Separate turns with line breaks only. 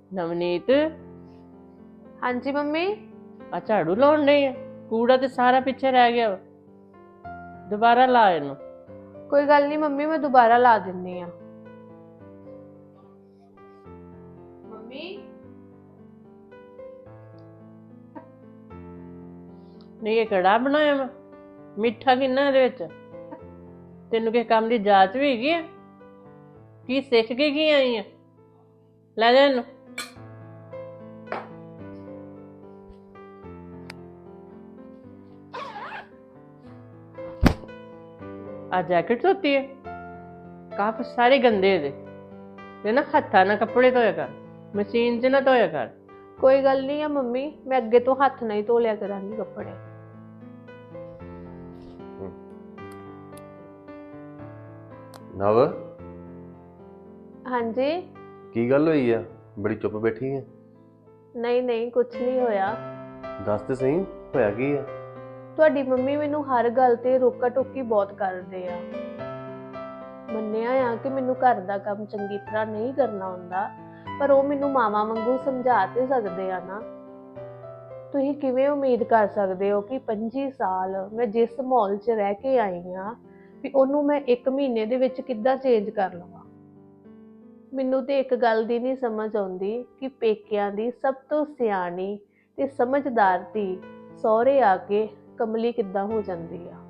ਨਵਨੀਤ
हाँ जी मम्मी।
ਆ ਝਾੜੂ ਲਾਉਣ ਨਹੀਂ ਆ? ਕੂੜਾ ਤੇ ਸਾਰਾ ਪਿੱਛੇ ਰਹਿ ਗਿਆ ਵਾ। ਦੁਬਾਰਾ ਲਾ ਇਹਨੂੰ।
कोई गल नहीं मम्मी, मैं दोबारा ला दिन्नी आ। मम्मी
ਨਹੀਂ ਇਹ ਕੜਾ ਬਣਾਇਆ ਵਾ? ਮਿੱਠਾ ਕਿੰਨਾ ਇਹਦੇ ਵਿੱਚ? ਤੈਨੂੰ ਕਿਸੇ ਕੰਮ ਦੀ ਜਾਂਚ ਵੀ ਹੈਗੀ ਆ? ਕੀ ਸਿੱਖ ਕੇ ਕੀ ਆਈ ਆ? ਲੈ ਜਾ ਇਹਨੂੰ। ਆ ਜੈਕਟ ਧੋਤੀ ਹੈ? ਕਾਫ ਸਾਰੇ ਗੰਦੇ ਇਹਦੇ ਤੇ ਨਾ ਹੱਥਾਂ ਨਾਲ ਕੱਪੜੇ ਧੋਇਆ ਕਰ, ਮਸ਼ੀਨ 'ਚ ਨਾ ਧੋਇਆ ਕਰ।
कोई गल नहीं है मम्मी, मैं अगे तो हाथ नहीं धो लिया करांगी कपड़े।
नव
हाँ जी।
की गल होई है? बड़ी चुप बैठी है।
नहीं नहीं कुछ नहीं होया।
दस ते सही होया की है?
ਤੁਹਾਡੀ ਮੰਮੀ ਮੈਨੂੰ ਹਰ ਗੱਲ ਤੇ ਰੋਕਾ ਟੋਕੀ ਬਹੁਤ ਕਰਦੇ ਆ। ਮੰਨਿਆ ਆ ਕਿ ਮੈਨੂੰ ਘਰ ਦਾ ਕੰਮ ਚੰਗੀ ਤਰ੍ਹਾਂ ਨਹੀਂ ਕਰਨਾ ਹੁੰਦਾ, ਪਰ ਉਹ ਮੈਨੂੰ ਮਾਵਾਂ ਵਾਂਗੂ ਸਮਝਾ ਤੇ ਸਕਦੇ ਆ ਨਾ। ਤੁਸੀਂ ਕਿਵੇਂ ਉਮੀਦ ਕਰ ਸਕਦੇ ਹੋ ਕਿ 25 ਸਾਲ ਮੈਂ ਜਿਸ ਮਾਹੌਲ 'ਚ ਰਹਿ ਕੇ ਆਈ ਆ ਵੀ ਉਹਨੂੰ ਮੈਂ 1 ਮਹੀਨੇ ਦੇ ਵਿੱਚ ਕਿੱਦਾਂ ਚੇਂਜ ਕਰ ਲਵਾਂ। ਮੈਨੂੰ ਤੇ ਇੱਕ ਗੱਲ ਦੀ ਨਹੀਂ ਸਮਝ ਆਉਂਦੀ ਕਿ ਪੇਕਿਆਂ ਦੀ ਸਭ ਤੋਂ ਸਿਆਣੀ ਤੇ ਸਮਝਦਾਰ ਧੀ ਸਹੁਰੇ ਆ ਕੇ ਕਮਲੀ ਕਿੱਦਾਂ ਹੋ ਜਾਂਦੀ ਆ।